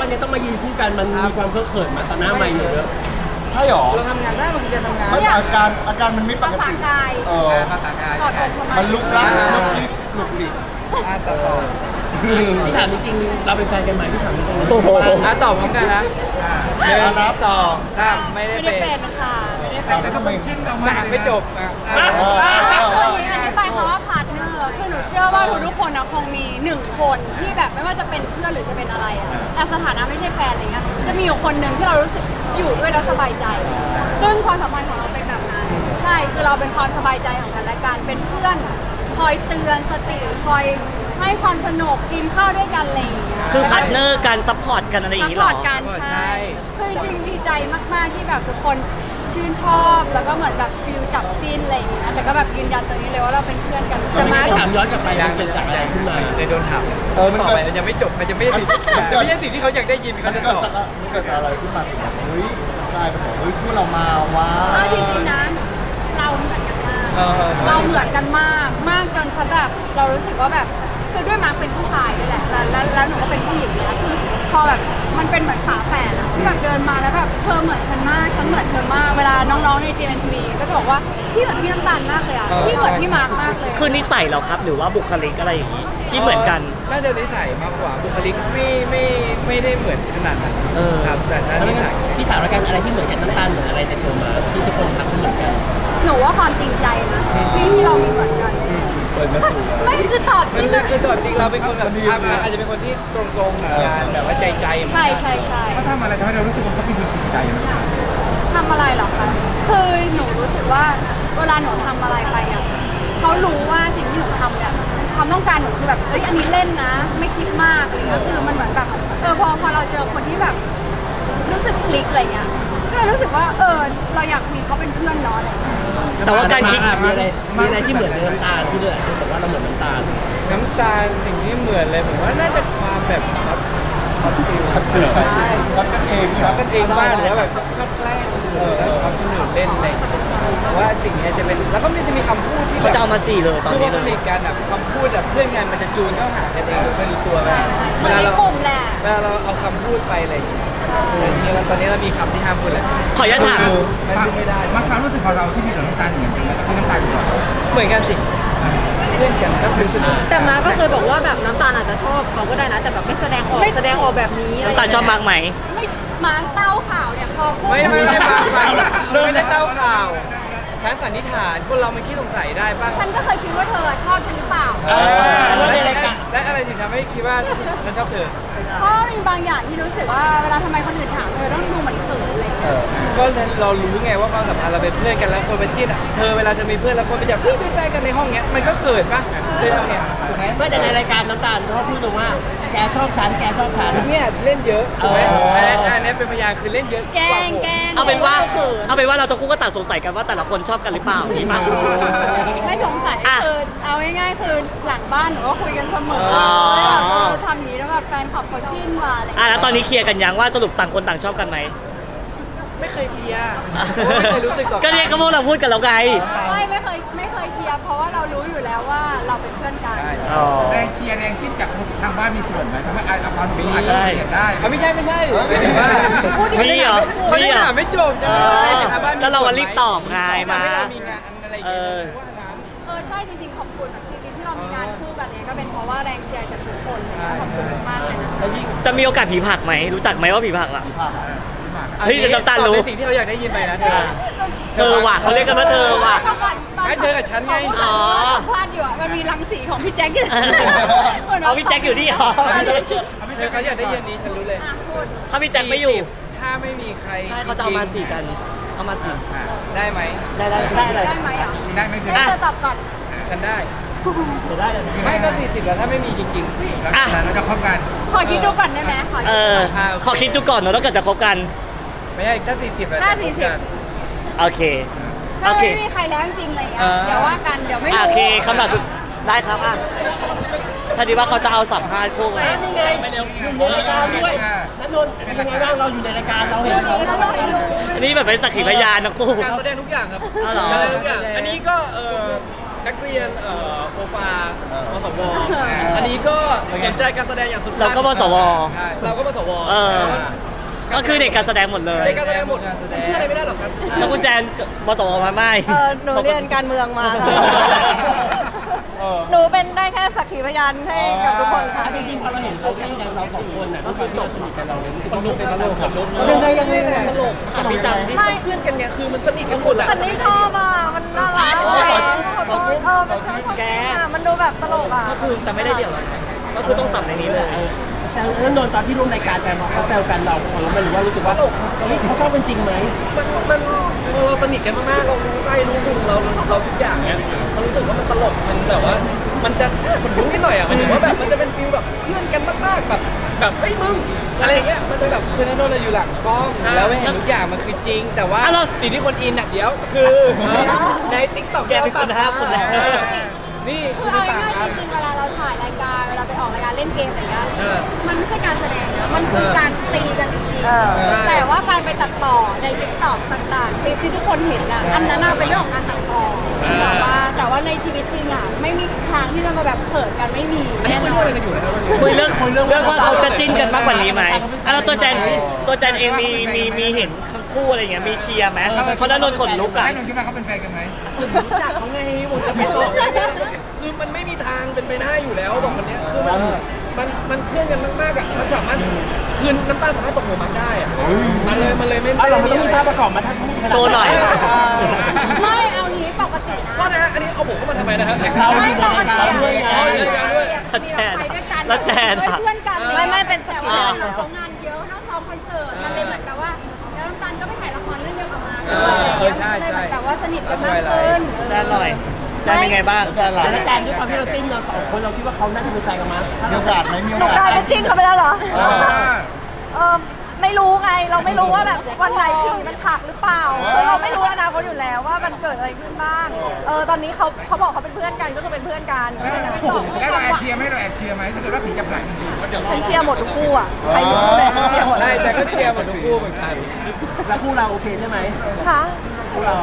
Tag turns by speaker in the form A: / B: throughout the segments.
A: นี้ต้องมายืนคู่กันมันมีความเคอะเขินมาตอนหน้าใหม่เยอะ
B: ใช่หรอ
C: เราทำงานได้มันจะทำงาน
B: มันอาการมันไม่ปกติ
C: ภาษากาย
D: กอดอกทำไม
B: มันลุกลักลุกลิกลุกลิก
C: ต่อ
A: พี่ถามจริงๆเราเป็นแฟนกันไหมพี่ถามจริง
C: ตอบพร้อมกันนะ1 2 3ไม่ได้เป็น
D: ค่ะไม่ได้เป็น
B: แต่ทำไม
C: หนังไม่จบอ่ะ
D: อธิบายเพราะว่าพาร์ทเนอร์คือหนูเชื่อว่าทุกคนนะคงมี1 คนที่แบบไม่ว่าจะเป็นเพื่อนหรือจะเป็นอะไรอะแต่สถานะไม่ใช่แฟนอะไรเงี้ยจะมีอยู่คนหนึ่งที่เรารู้สึกอยู่ด้วยแล้วสบายใจ ซึ่งความสัมพันธ์ของเราเป็นแบบนั้นใช่คือเราเป็นความสบายใจของกันและกันเป็นเพื่อนคอยเตือนสติคอยให้ความสนุกกินข้าวด้วยกันอะไรอย่างเงี้ย
E: คือพาร์ทเนอร์กันซัพพอร์ตกันอะไรอย่างงี้หรอ
D: ซัพพอร์ตกันใช่คือจริงดีใจมากๆที่แบบทุกคนชื่นชอบแล้วก็เหมือนแบบฟิลจับจิ้นอะไรอย่างเงี้ยแต่ก็แบบยืนยันตัวนี้เลยว่าเราเป็นเพื่อนกัน
A: แต่มาถามย้อนกลับไปมันเกิดจากอะไรขึ้นมา
C: เลยโดนถามมันต่อไปยังไม่จบมันจะไม่ใช่สิ่งที่เขาอยากได้ยินเขาจะตอบ
B: มันเกิดจากอะไรขึ้นมาถึงแบบเฮ้ยกลายเป็นแบบเฮ้ยคู่เรามาว้า
D: จริงๆนะเราเหมือนกันมากเราเหมือนกันมากจนซะแบบเรารู้สึกว่าแบบคือด้วยมาร์คเป็นผู้ชายด้วยแหละแล้วหนูก็เป็นผู้หญิงนะคือพอแบบมันเป็นเหมือนฝาแฝดอะที่แบบเดินมาแล้วแบบเธอเหมือนฉันมากฉันเหมือนเธอมากเวลาน้องๆใน GMTV ก็จะบอกว่าพี่เหมือนพี่น้ำตาลมากเลยอะพี่เหมือนพี่มาร์คมากเลย
E: คือนิสัยเหรอครับหรือว่าบุคลิกอะไรอย่างงี้ที่เหมือนกัน
C: น่าจะนิสัยมากกว่าบุคลิกไม่ได้เหมือนขนาดนั้นครับแต่ถ้านิสัย
A: พี่ถามแล้วกันอะไรที่เหมือนกันน้ำตาลเหมือนอะไรในตัวมาที่ทุกคนทำเหมือนกัน
D: หนูว่าความจริงใจนะที่เรามีเหมือนกันไม่คือตอบจริง
C: คือตอบจริงเราเป็นคนแบบอาจจะเป็นคนที่ตรงๆงานแบบว่าใจ
D: ใช่
B: เขาทำอะไรทำให้เรารู้สึกว่าเขาเป็นคนจริงใจนะ
D: ทำอะไรหรอคะคือหนูรู้สึกว่าเวลาหนูทำอะไรไปอ่ะเขารู้ว่าสิ่งที่หนูทำเนี่ยความต้องการหนูคือแบบเอ้ยอันนี้เล่นนะไม่คิดมากอะไรเงี้ยคือมันเหมือนแบบพอเราเจอคนที่แบบรู้สึกคลิกอะไรเงี้ยก็เลยรู้สึกว่าเราอยากมีเขาเป็นเพื่อนเนาะอะไร
E: แต่ว่าการคิด
A: มีอะไรที่เหมือนน้ำตาลที่เดือดคือบอกว่าเราเหมือนน้ำตาล
C: สิ่งที่เหมือนเลยผมว่าน่าจะความแบบ
B: ชัดเจนรักกันเอง
C: รักกันเองมากแล้วแบบชอบแกล้งแล้วชอบคนอื่นเล่นอะไรว่าสิ่งนี้จะเป็นแล้วก็มันจะมีคำพูดที่
E: เขาจะเอามา4เลยตอนนี้
C: สนิทกันแบบคำพูดแบบเพื่อนกันมันจะจูนเข้าหากันเองไม่รู้ตัวแบบ
D: เวลา
C: เราเอาคำพูดไปอะไรอย่างเงี้ยตอนนี้เรามีคำที่ห้ามพูดแล้ว
E: ขออนุญาตถาม
C: ไม่ได้
B: มาความรู้สึกของเราที่มีต่อน้ำตาลเหมือนกันไหมที่น้ำตาล
C: เหมือนกันสิเพื่อนกันก็คือ
F: แต่มาก็เคยบอกว่าแบบน้ำตาลอาจจะชอบเขาก็ได้นะแต่แบบไม่แสดงออกแบบนี้
E: น้ำตาลชอบมากไหม
D: ไม่มาเต้าข่าวเนี่ยพอพูด
C: ไม่ได้เต้าข่าวฉันสันนิษฐานคนเรามันขี้สงสัยได้ป่ะ
D: ฉันก็เคยคิดว่าเธอชอบฉันหรือเปล่า
C: และอะไรถึงทำให้คิดว่าฉันชอบเธอ
D: เพราะมีบางอย่างที่รู้สึกว่าเวลาทำไมคนอื่นถามเธอต้องดูเหมือนเขินอะไร
C: ก็เรารู้ไงว่าความสัมพันธ์เราเป็นเพื่อนกันแล้วคนเป็นจิ้นอ่ะเธอเวลาเธอมีเพื่อนแล้วคนไปจับพี่เป็นแฟนกันในห้องเนี้ยมันก็เขินป่ะเลยทำเนี่ยถูกไหม
A: ไม่แต่ในรายการน้ำตาลเขาพูดตรงว่าแกชอบฉัน
C: เนี่ยเล่นเยอะถูกไหมอันนี้เป็นพยานคือเล่นเยอะ
D: แกง
E: เอาเป็นว่าเราต้องคู่ก็ต่างสงสัยกันว่าแต่ละคนชอบกันหรือเปล่านี่มั้ง
D: ไม่สงสัยคือเอาง่ายๆคือหลังบ้านหนูก็คุยกันเสมอทำนี้แล้วแบบแฟนขับเขาจิ้นมาอะไร
E: แล้วตอนนี้เคลียร์กันยังว่าสรุปต่างคนต่างชอบกันไหม
C: ไม่เคยเคลียร์ไม่เคยรู้สึก
E: ก็เนี่ยก็พวกเราพูดกันแล้วไง
D: ไม่เคยเคลียร์เพราะว่าเรารู้อยู่แล้วว่าเราเป็นเพื่อนกัน
B: แรงเชียร์แรงคิดกับทางบ้านมีส่วนไหมทำให้ละครมีอาจจะเปลี่ยนได้
C: ไม่ใช่
E: มีเหรอ
C: ไม่ถามไม่จบ
E: แล้วเราก็รีบตอบไงมา
D: ใช่จริงๆขอบคุณที่เรามีงานคู่กันเลยก็เป็นเพราะว่าแรงเชียร์จากทุกคนขอบคุณมากเลยนะ
E: จะมีโอกาสผีผักไหมรู้จักไหมว่าผีผักอ่ะเฮ้ยน้ำตาลรู้
C: สิ่งที่เขาอยากได้ยินไปนะ
E: เธอว่ะเขาเรียกกันว่าเธอว่ะ
C: ให้เธอกับฉันไง
D: พลาดอยู่มันมีรังสีของพี่แจ็ค
E: เอาพี่แจ็คอยู่นี่หรอ
C: เขาอยากได้ยินนี้ฉันรู้เลย
E: ถ้าพี่แจ็คไม่อยู่
C: ถ้าไม่มีใคร
E: ใช่เขาจะเอามา4กันเอามา4
C: ได้ไหม
D: ได้ไหมอ่ะ
B: ได้ไหม
D: เธอตอบก่อน
C: ฉันได้ไม่ก็40แล้วถ้าไม่มีจริงๆ
B: เราจะคบกัน
D: ขอคิดดูก่อนได้ไหม
E: ขอคิดดูก่อนเนาะแล้วก็จะคบกัน
C: ไม่ใช่ถ้า40แล้ว
E: โอเค
D: ถ้าไม่มีใครแล้วจริงๆอะไรเงี้ยเดี๋ยวว่ากันเดี๋ยวไม่รู้
E: โอเคคำตอบคือได้ครับถ้าดีว่าเขาจะเอาสัมภาษณ์คู่กัน
A: นี่ไงไปเร็วอยู่ในรายการด้วยนันนนท์เป็นยังไงบ้างเราอยู่ในรายการเราเห็นเขา
E: อันนี้แบบเป็นสักขีพยานนะคู่
C: การแสดงทุกอย่างครับการแสดงทุกอย่างอันนี้ก็นักเรียนโฟฟามสวอันนี้ก็สนใจการแสดงอย่างสุด
E: เราก็มสว
C: ใช่เราก็มสว
E: ก็คือเด็กการแสดงหมดเลย
C: เด็กการแสดงหมดเชื่ออะไรไม่ได้หรอกครับ
E: แล้วคุณแจนมสวมาไหม
F: หนูเรียนการเมืองมาค่ะหนูเป็นได้แค่สักขีพยานให้กับทุกคนค่ะ
A: จริงๆพอเราเห็นเขาเล่นกันเราสองคนน่ะด้วยความที่เราสนิทกันเราเลยรู้สึก
C: คน
A: ว่า
C: ลุกเป็นตลกคนลุก
A: ยังไงตลก
E: ถามพี่จันที่
C: ไม่เพื่อนกันไงคือมันสนิทกันหมดอะ
F: แต่ไม่ชอบอ่ะ มันน่ารักขอโทษเป็นชอบแกมันดูแบบตลกอ่ะ
E: ก็คือแต่ไม่ได้เดี่ยวกันก็คือต้องสับในนี้เลย
A: แซวแล้วนนท์ตอนที่ร่วมรายการกันมาเขาแซวกันเราของเราหรือว่ารู้สึกว่าเฮ้ยเขาชอบเป็นจริงไหม
C: มันเราสนิทกันมากๆเรารู้ใจรู้มุมเราทุกอย่างเนี้ยเรารู้สึกว่ามันตลกมันแบบว่า มันจะขนลุกนิดหน่อยอ่ะมันถือว่าแบบมันจะเป็นฟีลแบบเพื่อนกันมากๆแบบเฮ้ยมึงอะไรอย่างเงี้ยมันจะแบบคือนั่นโดนอยู่หลังกล้องแล้วเห็นทุกอย่างมันคือจริง แต่ว่าสิ่งที่คนอินอ่ะเดี๋ยวคือในติ๊กต็อก
E: แกเป็นคนห้ามคนแรก
C: นี่
D: คือเอาง่ายๆจริงๆเวลาเราถ่ายรายการเวลาไปออกรายการเล่นเกมอะไรเงี้ยมันไม่ใช่การแสดงนะมันคือการตีกันจริงๆแต่ว่าการไปตัดต่อในติ๊กต็อกต่างๆคลิปที่ทุกคนเห็นอ่ะอันนั้นเป็นเรื่องของการตัดต่อแต่ว่าในชีวิตจริงอ่ะไม่มีทางที่จะมาแบบเขินกันไม่มี
C: อันนี้
D: แน่
C: คุย
D: นอ
C: เรื่อง
D: น
C: อะไรกันอยู่นะครับ
E: คุยเรื่องว่าเขาจะจิ้นกันมากกว่านี้ไหมแล้วตัวแจนเองมีเห็นทั้งคู่อะไรอย่างเงี้ยมีเคลียร์ไหมเพราะนั้นนนท์ขนลุกอะ
B: ให้นนท์คิดว่าเขาเป็นแฟนกันไหม
C: รู้จักเขาไงผมจะไปต่อคือมันไม่มีทางเป็นไปได้อยู่แล้วสองคนเนี้ยคือมันเพื่อนกันมากๆอ่ะมันสามารถคืนน้ำตาสามารถตกหัวมันได้อ่ะมันเลยไม่
A: เราไม่ต้องมีภาพประกอบมาถ้าพูด
E: โชว์หน่อย
D: ไม่เอางี้ปกตินะ
C: ก็นะฮะอันนี้เอาผมเข้ามาทำไมนะฮะ
A: เรา
D: ไม่
A: อยู่
D: ป
A: ใน
D: ก
A: ราย
D: ติ
A: การด้วยไง
E: แล้วแจน
D: เพื่อนกัน
F: ไม่เป็นสัก
D: แต่
F: ขี
D: ว่า
F: พยานแล้ว
D: เรางานเยอะต้องซ้อมคอนเสิร์ตมันเลยเหมือนกับว่าแล้วน้ำตาลก็ไปถ่ายละครเรื่องเดียวกับมาด้วยอะไรอย่างเงี้ยมันเลยเหมือนแบบว่าสนิทกันมากขึ้น
E: แจนหน่อยแจนเป็นไงบ้าง
A: แล้วแจนด้วยความที่เราจิ้นเราสองคนเราคิดว่าเขาน่าจะเป็นแฟนกันมั้ย
B: มีโอกาสไหมมี
F: ห
B: โอ
F: นู
B: กาส
F: กลายเป็นจิ้นเขาไปแล้วเหรอ
B: เออ
F: ไม่รู้ไง เราไม่รู้ว่าแบบวันไหนผีมันผลักหรือเปล่าคือเราไม่รู้อนาคตอยู่แล้วว่ามันเกิดอะไรขึ้นบ้าง ตอนนี้เขาบอกเขาเป็นเพื่อนกันก็คือเป็นเพื่อนกัน
B: แล้วเราแอบเชียร์ไหมเราแอบเชียร์ไหมถ้าเกิดว่าผีจะผลักจริงๆ
F: ฉันเชียร์หมดทุกคู่อ่ะ ใครรู้เลยฉันเชียร์หมด
C: ใช่แต่ก็เชียร์หมดทุกคู่เหมือนกัน
A: แล้วคู่เราโอเคใช่ไหม
F: ค่ะ
A: คู่เรา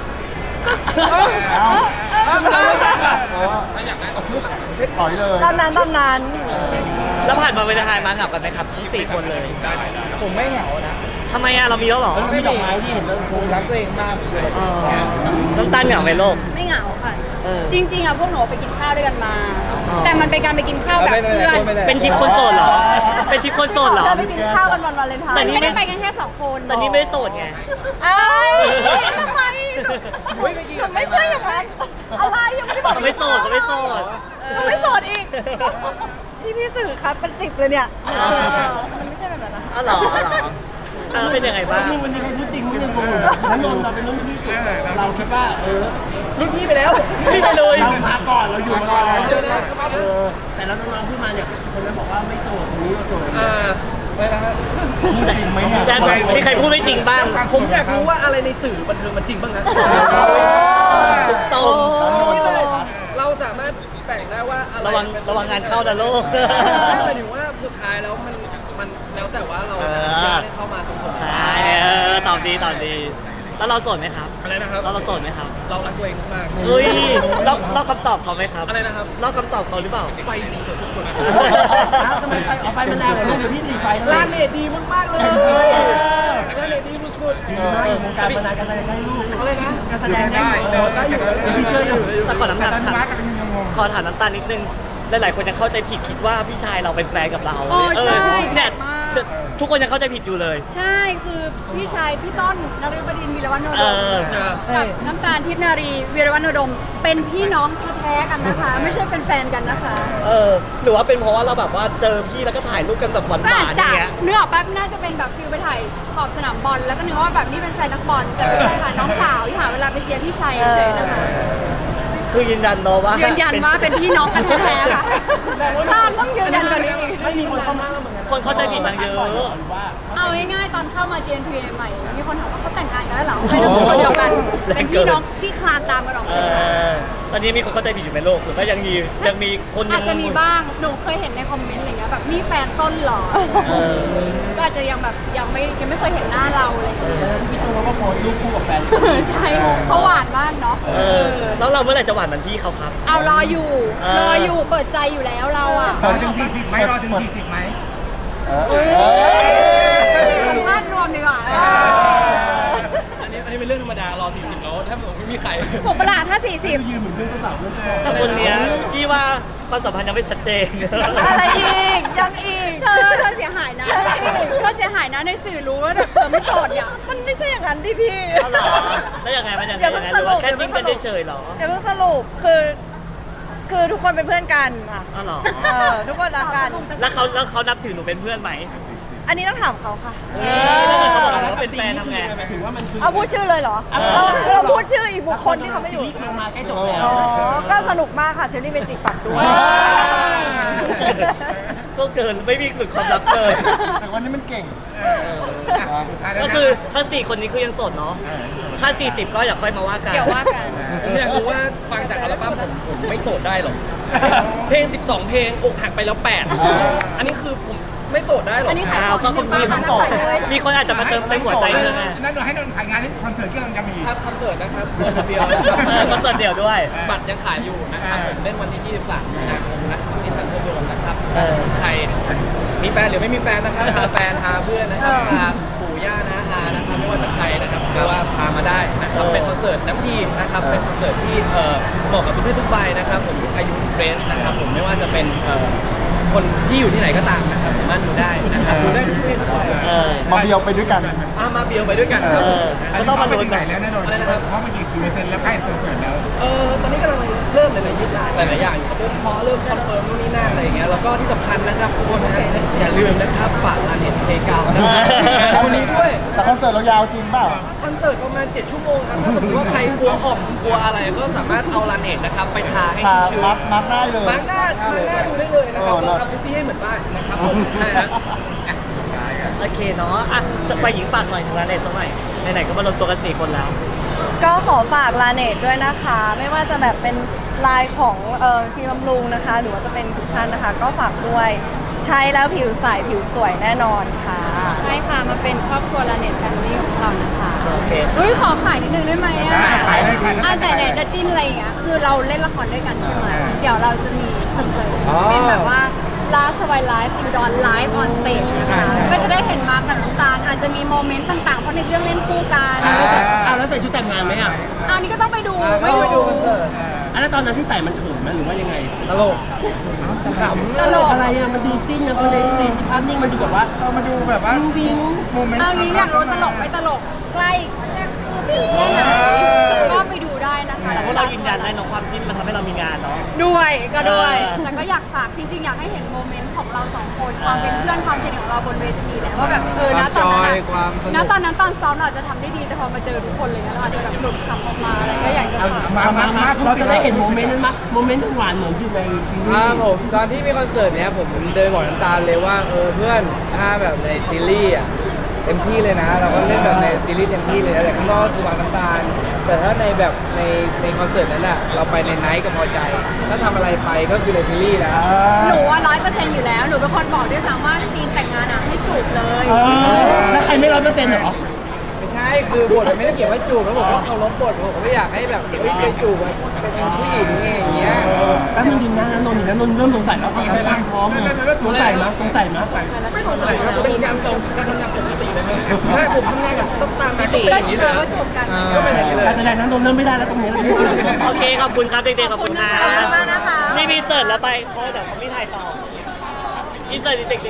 B: ปล่อยเลย
F: ตอนนั้น
E: แล้วผ่านมาเวลาไทยมาเหงากันไหมครับทั้ง4 คนเลย
C: ผมไม่เหงานะ
E: ทำไมอะเรามีแล้วเหรอ
A: ไม่ดอกไม้ที่เห็นแล้ว
C: ผมรักตัวเองมากเลย
E: อ๋อน้ำตาลเหงาไหมโลก
D: ไม่เหงาค่ะ
E: เออ
D: จริงๆอะพวกหนูไปกินข้าวด้วยกันมา
E: อ๋อ
D: แต่มันเป็นการไปกินข้าวแบบเพื่อน
E: เป็นทริปคนโสดเหรอ เป็นทริปคนโสดเหรอ
F: เราไปกินข้าวกันวันวาเลนไทน์
E: แต่นี่
D: ไม่ได้ไปกันแค่2 คน
E: แต่นี่ไม่ได้โสดไง
F: เอ้ยทำไมหนูไม่ใช่อย่างนั้นอะไรยังไม่ได้บอก
E: เขาไม่โสดเขาไม่โสด
F: หนูไม่โสดอีก พี่สื่อครับเป็น10เลยเนี่ยมันไม่ใช่แบบนั้นนะคะ
E: อ๋อเหรอเป็นยังไงบ้าง
A: นี่วันนี้ใครพูดจริงไม่ยังโกหกแล้วนนท์เราเป็นรุ่นพี่สุดเราคิดว่า
C: รุ่นพี่ไปแล้วพี่ไปเลย
A: เรามาก่อนเราอยู่มาก่อนแต่แล้วน้องๆพูดมาเนี่ยคนนั้นบอกว่าไม่โสดคนนี้เราโสด
C: ไม่นะฮะ
B: จริงไหมเนี่ย
E: แจนมีใครพูดไม่จริงบ้าง
C: ผมอยากรู้ว่าอะไรในสื่อบันเทิงมันจริงบ้างนะ
E: ตรง
C: เราสามารถแบ่งได้ว่าอะไร
E: ระวังงานเข้านะโลก
C: หมายถึงว่าสุดท้ายแล้วมันแล้วแต่ว่าเราจะได้เข้ามาตรงสม
E: ใช่ตอบดี แล้วเราโสดไหมครับ
C: อะไรนะครับ
E: เราโสดไหมครับ
C: เรารักตัวเองมาก
E: เฮ้ยเราคำตอบเขาไหมครับ
C: อะไรนะครับ
E: เราคำตอบเขาหรือเปล่า
C: ไฟสีสวยสุด
A: ทำไมเอาไฟมะนาวของลูกเดี๋ยวพี่ตีไฟ
C: ๆร้านเน็ตดีมากๆเลยร้านเน็ตดีสุด
A: ดีมากวงการมานานการแสดงได้ลูก
C: ๆอะไรนะ
A: การแสดงได้
C: ได้อยู่
A: พี่เชื่ออยู่
E: แต่ขอน้ำตาล
B: ตอนนี้ว่ากันยังงง
E: ขอถามน้ำตาลนิดนึง หลายๆคนยังเข้าใจผิดคิดว่าพี่ชายเราเป็นแฟนกับเรา
D: โอ้ใช่
E: เนี่ยทุกคนยังเข้าใจผิดอยู่เลย
D: ใช่คือพี่ชายพี่ต้นนฤบดินทร์วีรวัฒโนดม
E: เออ
D: กับน้ำตาลทิพย์นารีวีรวัฒโนดม เป็นพี่น้องแท้ๆกันนะคะ ไม่ใช่เป็นแฟนกันนะคะ
E: หรือว่าเป็นเพราะว่าเราแบบว่าเจอพี่แล้วก็ถ่ายรูปกันแบบหว
D: ก็อาจ
E: านๆอ
D: จะ
E: ย่างเงี้ย
D: เนื้อออกแป๊บน่าจะเป็นแบบฟิลไปถ่ายขอบสนามบอลแล้วก็นึกว่าแบบนี่เป็นแฟนนักบอลแต่เป็นแฟนน้องสาวที่หาเวลาไปเชียร์พี่ชายเฉยๆนะคะ
E: คือยืนยันเนอะว่า
D: ยื
E: ยื
D: นยันว่าเป็นพี่น้องกันแท้ๆค่ะ
F: นานต้องยืนยันกันนี้อีก
A: ไม่มีคนเข้ามาเหมือนกัน
E: คนเข้าใจผิดมาเยอะ
D: เอาง่ายๆตอนเข้ามา GNP ใหม่ๆมีคนถามว่าเขาแต่งงานกันแล้วเหรอไม่ต้องคนเดียวกันเป็นพี่น้องที่คลานตามกันออก
E: เอ
D: มา
E: อตอนนี้มีคนเข้าใจผิดอยู่ในโลกหรือก็ยังมีคนยั
D: อาจจะมีบ้างหนูเคยเห็นในคอมเมนต์อะไรเงี้ยแบบมีแฟนต้นเหรอ
E: เออ
D: ก็อาจจะยังแบบยังไม่เคยเห็นหน้าเราอะไรอย่างเลย
A: พี่ตูนเขาก็โพสต์รูปคู่กับแฟน
D: ใช่เขาหวานมากเนาะ
E: เออแล้วเราเมื่อไหร่จะหวานเหมือนพี่เขาครับ
D: เอารออยู่
E: เออ
D: รออยู่เปิดใจอยู่แล้วเราอ่ะ
B: รอถึง40ไหมรอถึง40ไหม
D: สัมภาษณ์รวมดีกว่า
C: อันนี้เป็นเรื่องธรรมดารอ40แล้วถ้าผมไม่มีใคร
D: ถูกประหลาดถ้า
A: ยืนเหมือนเพื่อนเจ้าสาวเพื่อนเจ้า
E: แต่คนเนี้ยพี่ว่าความสัมพันธ์ยังไม่ชัดเจน
F: อะไรอีกยังอีก
D: 40เธอเสียหายนะเธอเสียหายนะในสื่อรู้ว่าแบบเธอไม่โสดเนี่ย
F: มันไม่ใช่อย่างนั้นดิพี่
E: เอาเหรอแล้วยังไงมันยังไง
F: อย่าเพิ่ง
E: หรือว่าแค่
F: สรุป
E: จิ้นกันเฉยๆเหรอ
F: อย่าเพิ่งสรุปคือทุกคนเป็นเพื่อนกันค่ะ
E: เอาเหรอ
F: ทุกคนรักกัน
E: แล้วเขานับถือหนูเป็นเพื่อนไหม
F: อันนี้ต้องถามเขาค่ะ
E: แล้วถ้าเขาบอกว่าเป็นแฟนทำไง
A: หมายถึงว่ามันคือ
F: เอาพูดชื่อเลยเหรอ เราพูดชื่ออีกบุคคลที่เขาไม่อยู่
A: ชีวิตมันมาใกล้จบแล้ว
F: อ๋อ ก็สนุกมากค่ะเชอรี่เมจิกฝากด้วย
E: ก็เกินไม่มีหลุดความลับเลย
G: แต่วันนี้มันเก่ง
E: ก็คือถ้า4คนนี้คือยังโสดเนาะถ้า40ก็อยากค่อยมาว่ากัน
D: เดี๋ยวว่ากัน
C: ผมอยากรู้ว่าฟังจากอัลบั้มผมไม่โสดได้หรอ เพลง 12 เพลงอกหักไปแล้ว 8 อันนี้คือผมไม่โสดได้หรอ
D: อันนี้ขาย
E: อ้าว
D: ของ
E: ก็คนมี
D: บ้านขายเลย
E: มีคนอาจจะมาเติมเต็มหัวใจเธอไง
B: นั่นให้นนท์ขายงานให้คอนเสิร์ตที่กำลังจะมี
C: ครับคอนเสิร์ตนะครับเดียวนะค
E: คอนเสิร์ตเดี่ยวด้วย
C: บัตรยังขายอยู่นะครับผมเล่นวันที่ 23 มีนาคมนะครับที่ทันเทอร์โดมนะครับ
E: เออ
C: ใครมีแฟนหรือไม่มีแฟนนะครับพาแฟนพาเพื่อนนะครับพาปู่ย่านะอานะครับไม่ว่าจะใครนะครับหรือว่าพามาได้นะครับเป็นคอนเสิร์ตน้ำดีนะครับเป็นคอนเสิร์ตที่เหมาะกับทุกเพศทุกวัยนะครับผมทุกอายุทุกเรนจ์นะครับผมไม่ว่าจะเป็นคนที่อยู่ที่ไหนก็ตามนะครับสามารถดูได้นะครับดูได้ทุกเพศทุกวัย
E: เออ
G: มาเดียวไปด้วยกัน
C: มาเบียวไปด้วยกันครับ
E: เออ
B: อันนี้เขาไปถึงไหนแล้วนะนนท์เขาไปกี่เปอร์เซ็นต์แล้วใกล้คอนเสิร์ตแล้ว
C: ตอนนี้กำลังเริ่มหลายๆอย่างอยู่เริ่มเคาะเริ่มคอนเฟิร์มนู่นนี่นั่นอะไรอย่างเงี้ยแล้วก็ที่สำคัญนะครับทุกคนนะอย่าลืมนะครับฝากร้านเน็ตเพกาวนะครับวันนี้ด้วย
G: แต่คอนเสิร์ตเรายาวจริงเปล่า
C: คอนเสิร์ตประมาณ7 ชั่วโมงครับถ้าสมมติว่าใครกลัวอ่อมกลัวอะไรก็สามารถเอาร้านเน็ตนะครับไปทาให้
G: พา
C: ชื้น
G: มาร์กได้เลย
C: มาร์กหน้าดูได้เลยนะครับเราทำทุกที่ให้เหมือนบ้านนะครับผมใช่ฮะ
E: โอเคเนาะอ่ะไปหญิงฝากหน่อยถึงร้านไหนสักหน่อยไหนๆก็มารวมตัวกัน4คนแล้ว
F: ก็ขอฝากลาเนตด้วยนะคะ ไม่ว่าจะแบบเป็นลายของครีมบำรุงนะคะ หรือว่าจะเป็นคุชชั่นนะคะ ก็ฝากด้วย ใช้แล้วผิวใสผิวสวยแน่นอนค่ะ
D: ใช่ค่ะมาเป็นครอบครัวลาเน็ตแฟมิลี่ของเรานะคะ
E: โอเค
D: เฮ้ยขอขายนิดนึงได้ไหมอ่ะ
B: ขายเลยขายเลย
D: แต่ไหนจะจิ้นอะไรอย่างเงี้ยคือเราเล่นละครด้วยกันใช่ไหมเดี๋ยวเราจะมีคอนเสิร์ตเป็นแบบว่า Last Why Live อินดอนไลฟ์ออนสเตจนะคะก็จะได้เห็นมาร์คกับน้ำตาลอาจจะมีโมเมนต์ต่างๆเพราะในเรื่องเล่นคู่กัน
A: แล้วใส่ชุดแต่งงานไหมอ่ะ
D: อันนี้ก็ต้องไปดู
C: ไม่ไปดูคอนเสิร์ต
A: แล้วตอนนั้นที่ใส่มันเขินไหมหรือว่ายังไง
C: ตลก
A: ขำตลกอะไรอ่ะมันดูจิ้นนะมันในซีนภาพนิ่งมันดูแบบว่า
B: มาดูแบบว่า
A: วิ้ง
B: โมเมนต์
D: เอานี้อยากรู้ตลกไม่ตลกใกล้แค่ไหนก็ไปดูได้นะคะ
E: แต่พวกเรายืนยันได้เนอะความจิ้นมันทำให้เรามีงานเนาะ
D: ด้วยก็ด้วย
E: เออ
D: แต่ก็อยากฝากจริงๆอยากให้เห็นโมเมนต์ของเราสองคนความเป็นเพื่อนความสนิทของเราบนเวทีแหละว่าแบบนะตอนนั้นนะนะตอนนั้นตอนซ้อมเราอาจจะทำได้ดีแต่พอมาเจอทุกคนเลยเราอาจจะแบบหลุดคำออกมาอะไรก็อยากจะฝาก
A: มาเราจะได้เห็นโมเมนต์นั้นมั้ยโมเมนต์หวานเหมือนอยู่ในซีรี
H: ครับ
A: ส์
H: ผมตอนที่มีคอนเสิร์ตเนี้ยผมเดินบอกน้ำตาลเลยว่าเพื่อนถ้าแบบในซีรีส์อ่ะเต็มที่เลยนะ เราก็เล่นแบบในซีรีส์เต็มที่เลยนะแต่ข้างนอกคือวางน้ำตาล แต่ถ้าในแบบในคอนเสิร์ตนั้นอ่ะเราไปในไนท์ก็พอใจ ถ้าทำอะไรไปก็คือในซีรีส์นะ
D: หนูว่า100%อยู่แล้วหนูเป็นคนบอกด้วยซ้ำว่าซีนแต่งงานอ่ะให้จูบเลย
A: แล้วใครไม่100%เหรอ
H: ไม่ใช่คือบทมันไม่ได้เกี่ยวกับจูบแล้วผมก็เคารพบทผมก็ไม่อยากให้แบบไปจูบแบบเป็นผู้หญิงไงอย่างเงี้ย
A: แล้วนนท์ยิงนะนนท์เริ่มสงสัยแล้วตอนนั้นร่างพร้อมเลยสงสัยมั้ย
C: ไม่สนใจนะเป็นการทำงานปกติเลยไหมใช่ผมทำงานกับต้องตามปกติ
D: ก็
C: อย่างนี้
D: เจ
C: เลย
D: อว่าจูบกัน
C: ก็เป็นอย่างนี้เลย
A: การแสดงนั้นนนท์เริ่มไม่ได้แล้วตรงนี้
E: โอเคขอบคุณครับเด็กๆขอบคุณครั
F: ขอบคุณมากนะคะ
E: นี่มีเสิร์ตแล้วไปเขาเดี๋ยวเขาไม่ถ่ายต่ออินเสิร์ตเด็กๆ